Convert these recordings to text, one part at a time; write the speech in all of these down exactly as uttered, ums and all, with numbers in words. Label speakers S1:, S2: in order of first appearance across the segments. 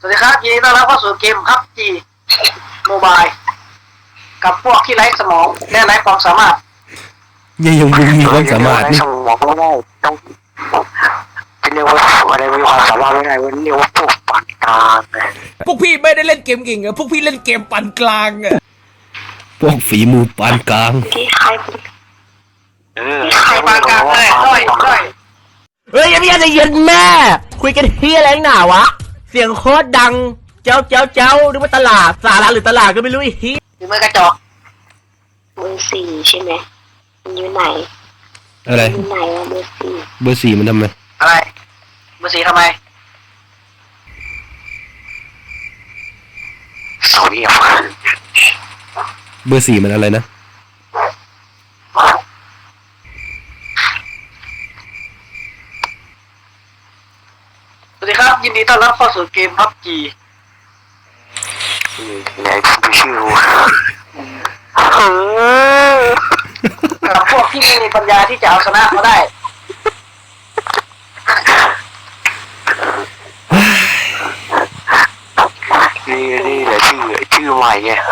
S1: สวัสดีครับยินดีต้อนรับเข้าสู่เกมพับจีโมบายกับพวกที่ไร้สมองและไร้ความสามารถ
S2: ยังยังมีความสามารถนี่
S3: สมองไม่ได้ต้องจะเรียกว่าอะไรมีความสามารถไม่ได้วันเรียกว่าพวกปานกลาง
S4: พวกพี่ไม่ได้เล่นเกมเก่งอะพวกพี่เล่นเกมปานกลางอะ
S2: พวกฝีมือปานกลาง
S3: ที่ใครเออ
S1: ใครปานกลางเลยด้อยด้อย
S4: เฮ้ยยังไม่ได้ยินแม่คุยกันเฮียอะไรหนาวะเสียงโคตรดังเจ้าเจ้าเจ้าหรือว่าตลาดสาระหรือตลาดก็ไม่รู้อีกที
S1: หรือมือกระจอก
S3: เบอร์สี่ใช่ไหมมันอยู่ไหน
S2: อะไร
S3: อยู่ไหนวะเบอร์สี่
S2: เบอร์สี่มันทำไม
S1: อะไรเบอร์สี่ทำไม
S3: เอาเรียบ
S2: เบอร์สี่มันอะไรนะ
S1: สวัสดีครับยินดีต้อนรับเข้าสู่เกมพับจี
S3: ไหนคุณชื่อ
S1: กับพวกที่ไม่มีปัญญาที่จะเอาชนะเขาได้
S3: นี่นี่แหละชื่อชื่อใหม่ไง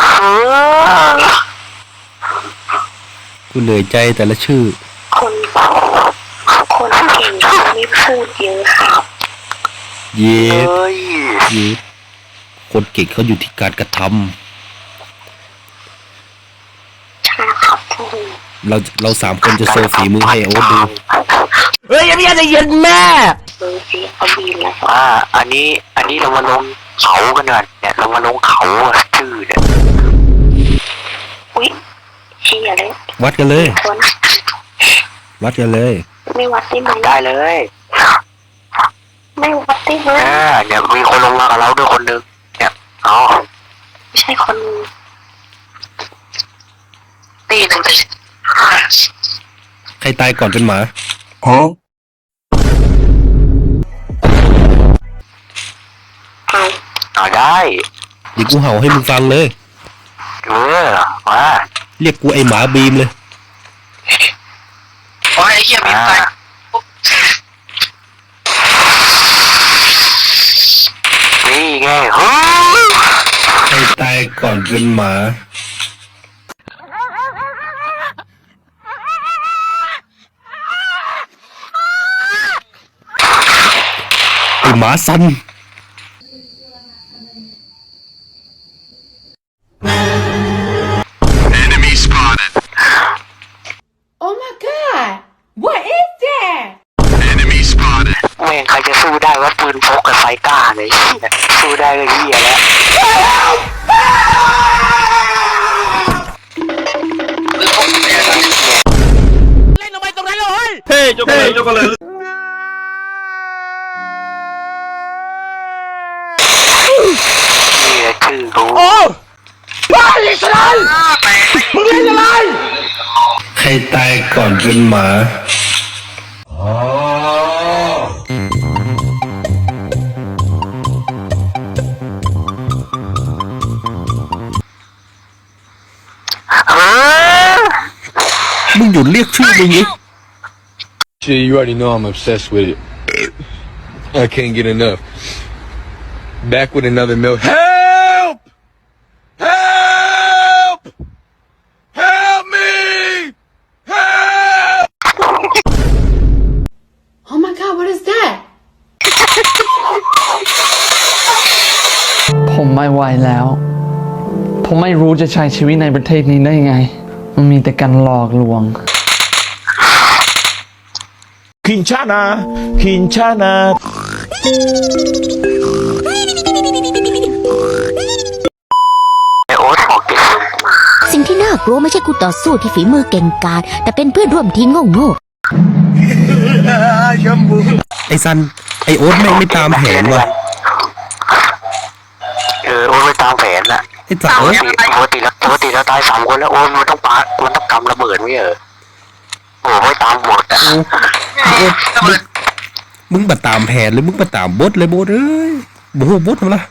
S2: กูเหนื่อยใจแต่ละชื่อ
S3: คนคนเก่งเขาไม่พูดเยอะครับ
S2: เย้เย้คนเก่งเขาอยู่ที่การกระทำ
S3: ใช่ครับพูด
S2: เราเราสามคนจะโซฝีมือให้โอ๊ตดู
S4: เฮ้ยยังไม่ได้ยินแม่
S3: เบอร์สี่เขาบินแล้วอ่าอันนี้อันนี้เรามาลงเขากันหน่อยเนี่ยเรามาลงเขาชื่อเนี่ยอุ้ยเชี่ยเลย
S2: วัดกันเลยวัดกันเลย
S3: ไม่วัดได้ไหมได้เลยไม่วัดได้ไหมอ่าเนี่ยมีคนลงมากับเราด้วยคนหนึ่งเนี่ยอ๋อไม่ใช่คนตีหนึ่ง
S2: ใครตายก่อนเป็นหมา
S3: อ๋อเอาได้
S2: เดี๋ยวกูเห่าให้มึงฟังเลย
S3: เออมา
S2: เรียกกูไอหมาบีมเลย
S1: โอ้ยไอ้เหี้ยบีมตาย
S3: นี่ไงเฮ้ย
S2: ใครตายก่อนเป็นหมาไอหมาซัน
S3: แม่งใครจะสู้ได้ว่าปืนพกกับไฟก้าเลยสู้ได้ก็เหี้ยแล้ว
S4: เล่นลงไปตรงนั้นเลยเฮ้ยจบเลยจบเลย
S3: นี่แหละคือกู
S4: โอ้บ้าอีกแล้วมึงเล่นอะไร
S2: ใครตายก่อนเป็นหมามึงหยุดเรียกชื่อมึงดิ
S5: Shit, you already know I'm obsessed with it. I can't get enough. Back with another milk. Help! Help! Help me! Help!
S6: Oh my God, what is that?
S7: ผมไม่ไหวแล้ว ผมไม่รู้จะใช้ชีวิตในประเทศนี้ได้ยังไง มันมีแต่การหลอกลวง
S5: Quinchana! Quinchana!
S3: ไอโอ๊ตบอกเก่ง
S8: สิ่งที่น่ากลัวไม่ใช่คู่ต่อสู้ที่ฝีมือเก่งกาจแต่เป็นเพื่อนร่วมทีมโง่
S2: ๆไอซันไอโอ๊ตแม่งไม่ตามแผนว่ะ
S3: เออโอ๊ตไม่ตามแผนน่ะ
S2: ไอสัตว์
S3: ปกติแล้วปกติแล้วตายสามคนแล้วโอ๊ตมันต้องปามันต้องกำระเบิดไม่เหรอโอ้ไม่ตามหมดอ่ะ
S2: มึงบัดตามแผนเลยมึงบัดตามบดเลยบดเอ้ยโอ้โหบดทำไร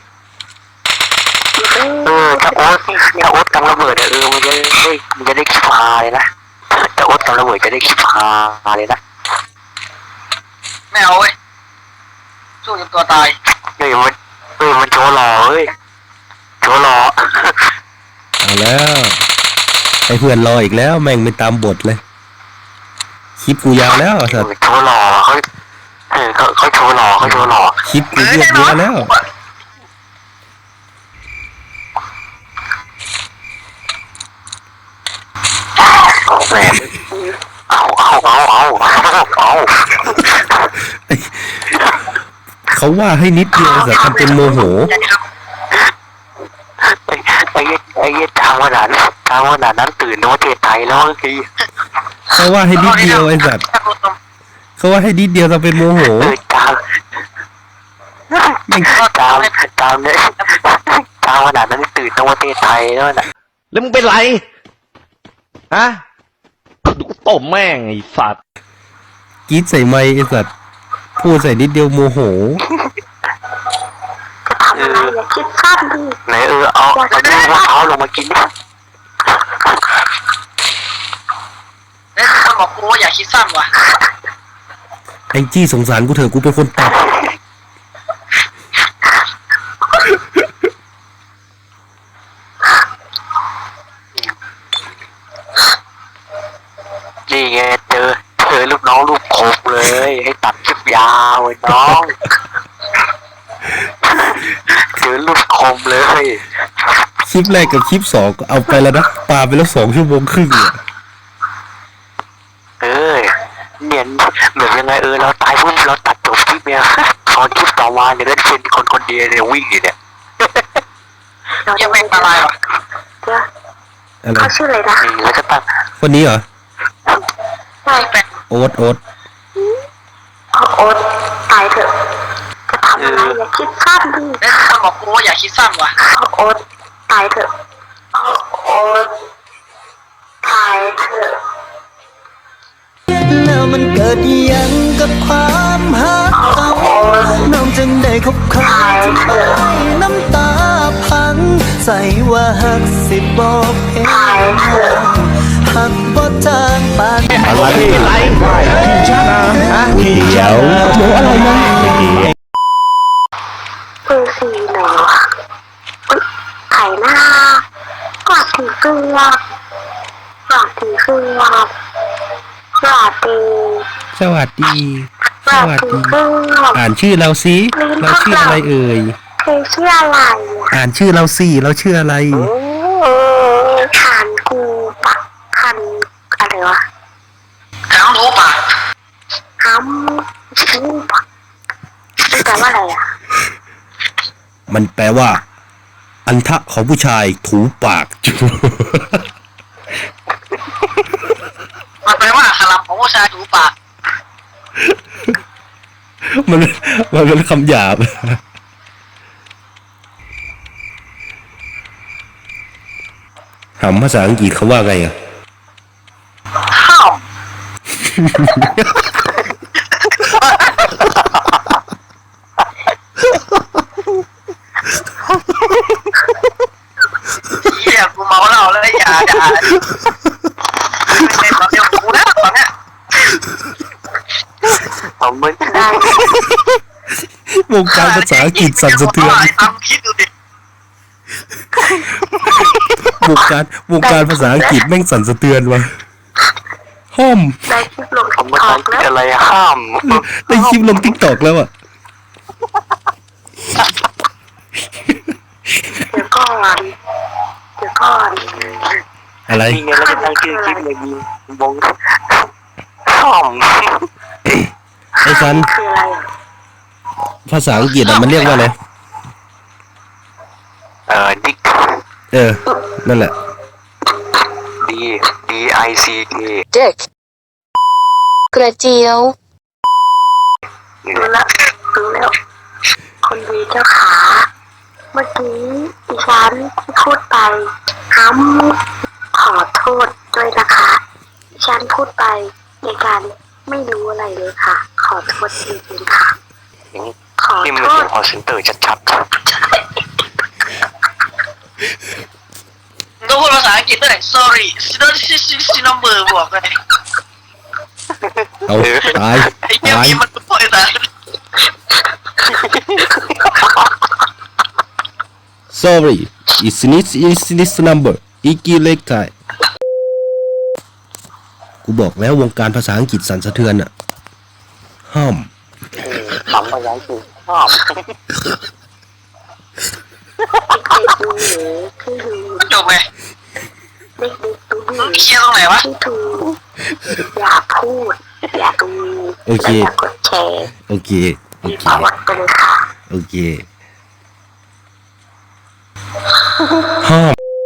S3: เออถ้าโอ๊ตถ้าโอ๊ตกำระเบิดเออมันจะได้มันจะได้ขี้พาเลยนะแต่โอ๊ตกำระเบิดจะได้ขี้พาเลยนะ
S1: ไม่เอาเว้ยสู้จนตัวตาย
S3: เฮ้ยมันเออมันโชว์หล่อเฮ้ยโชว์หล่อ
S2: เอาแล้วไอ้เพื่อนรออีกแล้วแม่งไม่ตามบทเลยคลิปกูยาวแล้วสัตว์
S3: โชว์หล่อเขาเออเขาเขาโชว์หล่อเขาโชว์หล่อ
S2: คลิปกูยืดเยอะแล้ว
S3: แหมเอาเอาเอาเอาเอา
S2: เขาว่าให้นิดเดียวสัตว์ทำเป็นโมโห
S3: ไอ้ไอ้ไอ้เหี้ยทางขนาดนั้นทางขนาดนั้นตื่นโน้ตเทไทยแล้วคือ
S2: เขาว่าให้นิดเดียวไอ้สัตว์เขาว่าให้นิดเดียวทำเป็นโมโห
S3: เออตามตามตามเนี่ยตามขนาดนั้นตื่นโน้ตเทไทยแล้วน่ะ
S4: แล้วมึงเป็นไร ฮะดูกูตบแม่งไอ้สัตว์
S2: กรีดใส่ไมค์ไอ้สัตว์พูดใส่นิดเดียวโมโห
S3: เออไหนเออเอาเอาดูมะพร้าวลงมากินดิ
S1: แล้วคนบอกกูว่าอย่าคิดสั้นว่ะ
S2: แองจี้สงสารกูเถอะกูเป็นคนตัด
S3: นี่ไงเจอเจอลูกน้องลูกโคบเลยให้ตัดคลิปยาวไอ้น้องเจอลูกคมเลย
S2: คลิปแรกกับคลิปสองก็เอาไปแล้วนะปาไปแล้วสองชั่วโมงครึ่งเนี่ย
S3: เออเนียนเหมือนยังไงเออเราตายปุ๊บเราตัดจบคลิปเนี่ยตอนคลิปต่อมาเนี่ยได้เป็นคนคนเดียวเนี่ยวิ่งอยู่เนี่ย
S1: ยังไม่ตายว่ะ
S2: อะไร
S8: เขาชื่ออะไรนะ
S3: นี่แล้วก็ตั้ง
S2: คนนี้เหรอ
S8: ใช่
S1: แปลก
S2: โอ๊ตโอ๊ต
S8: เอาโอ๊ตตายเถอะจะทำอะไรอย่าคิดสั้นดิ
S1: แล้วคนบอกกูว่าอย่าคิดสั้นว่ะ
S8: เอาโอ๊ตตายเถอะเอาโอ๊ตตายเถอะ
S6: แล้วมันเกิดยังกับความหักเขาน้องจึงได้คบเขาที่ไปน้ำตาพังใส่ว่าหักสิบอกเพลงหักบ่จางปาน
S2: อะไร
S4: อะไรพี่ชนะฮะพี่
S2: เดี๋ยวเดี๋ยวอะไรนะ
S8: เบอร์สี่ไหนวะอุ๊ยไข่หน้ากอดถือเกลือกอดถือเกลือสวัสดี
S2: สวัสดี
S8: สวัสดีเกลือ
S2: อ่านชื่อเราสิเราชื่ออะไรเอ่ย
S8: เธอชื่ออะไรอ่ะ
S2: อ่านชื่อเราสิเราชื่ออะไร
S8: ขันกูปะขันอะไรวะ
S1: ทั้งรู้ป่ะ
S8: ห้ำกูปะมันแปลว่าอะไรอ่ะ
S2: มันแปลว่า อันทะของผู้ชายถูปากจู
S1: มันแปลว่าขลับของผู้ชายถูปาก
S2: มันมันเป็นคำหยาบถามภาษาอังกฤษเขาว่าไงอ่ะ
S1: ข้าวเฮียกูเมาเหล้าแล้วอย่าด่าไม่เป็นตอนเดียวกูแล้วตอนเนี้ย
S3: ผมมึน
S2: วงการภาษาอังกฤษสั่นสะเทือน
S1: ทำคิดดูดิ
S2: วงการวงการภาษาอังกฤษแม่งสั่นสะเทือนว่ะห้อม
S8: ได้คลิปลง
S3: ผม
S8: ติ๊ก
S3: มัน
S8: ต็อกแล้ว
S3: อะไรห้าม
S2: ได้คลิปลงทิกตอกแล้วอ่ะ
S8: เดี๋ยวก่อนเดี๋ยวก่อน
S2: อะไร
S3: นี่ไงแล้วก็ตั้งชื่อคลิปเลยมีวงห้าม
S2: ไอ้ซัน
S8: คืออะไรอ่ะ
S2: ภาษาอังกฤษอ่ะมันเรียกว่าอะไร
S3: เออดิก
S2: เออ นั่นแหละ
S3: D D I C K
S8: Dick กระเจียว
S3: นี่
S8: รู้
S3: แหละ
S8: แล้วรู้แล้ว คนดีเจ้าขา เมื่อกี้ดิฉันที่พูดไปห้ำขอโทษด้วยนะคะดิฉันพูดไปในการไม่รู้อะไรเลยค่ะ ขอโทษจริงๆค่ะ ขอ
S3: นี่มัน
S8: โท
S3: เป็
S8: ษ
S3: นคอเซ็นเตอร์ชัด
S1: ต้องพูดภาษาอังกฤษด้วย sorry ซิโนซิซิซินอมเบอร์บอกเลย
S2: เอาตาย
S1: ไอ้เหี้ย
S2: ตาย
S1: มีมันพูดไอ้สัส
S2: sorry it's this is this number อีกีเล็กไทยกูบอกแล้ววงการภาษาอังกฤษสั่นสะเทือนอะห้าม
S3: ขำมายังคือชอบ
S8: เด็กๆดูหนูที่ดู
S1: จบไง
S8: เด็กๆดูหนู
S1: เคลียร์ตรงไหนวะ
S8: ที่ดูอย่าพูด อย่าดู
S2: โอเค
S8: และอย่ากดแชร์
S2: โอเคโอ
S8: รี
S2: เค
S8: พอร์ตไปเลยค่ะ
S2: โอเคห้าม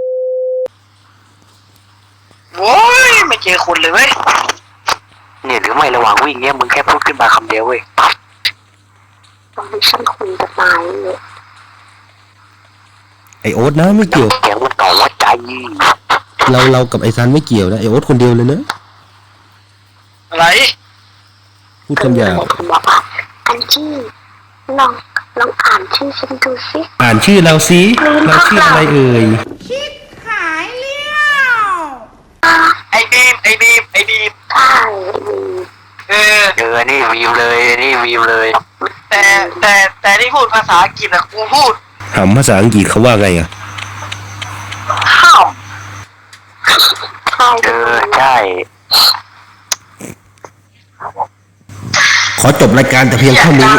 S1: โว้ยไม่เจอคนเลยเว้ย
S3: เนี่ยหรือไม่ระหว่างวิ่งเนี่ยมึงแค่พูดขึ้นมาคำเดียวเว้ยปั๊บ
S8: ตอนที่ฉันคุยกับนายเนี่ย
S2: ไอโอ๊ตนะไม่เกี่ยว
S3: เสียงมันต่อว่าใจ
S2: เราเรากับไอซันไม่เกี่ยวนะไอโอ๊ตคนเดียวเลยนะ
S1: อะไร
S2: พูดคำหยาบ
S8: ผมบอกว่าอันที่ลองลองอ่านชื่อฉันดูสิ
S2: อ่านชื่อเราสิเราชื่ออะไรเอ่ย
S1: ไอ้บีมไอ้บีมไอ้บีม
S8: ใช่มี
S1: เออ
S3: เออนี่วีมเลยนี่วีมเลย
S1: แต่แต่แต่ที่พูดภาษาอังกฤษอะกูพูด
S2: ถามภาษาอังกฤษเขาว่าไงอ่ะ
S1: ข้าว
S8: ใช่
S3: เออใช่
S2: ขอจบรายการแต่เพียงเท่านี้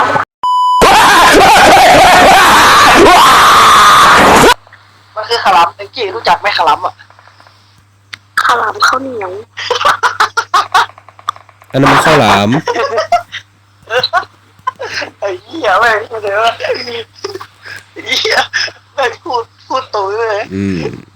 S1: มันคือขลัมไอ้กี้รู้จักไหมขลัมอ่ะ
S8: ข้าวหลามข้าวเหนียว
S2: อันนั้นมันข้าวหลาม
S1: ไอ้เหี้ยแม่งเดี๋ยวไอ้เหี้ยแม่งพูดพูดตุ๋ยเลย
S2: อืม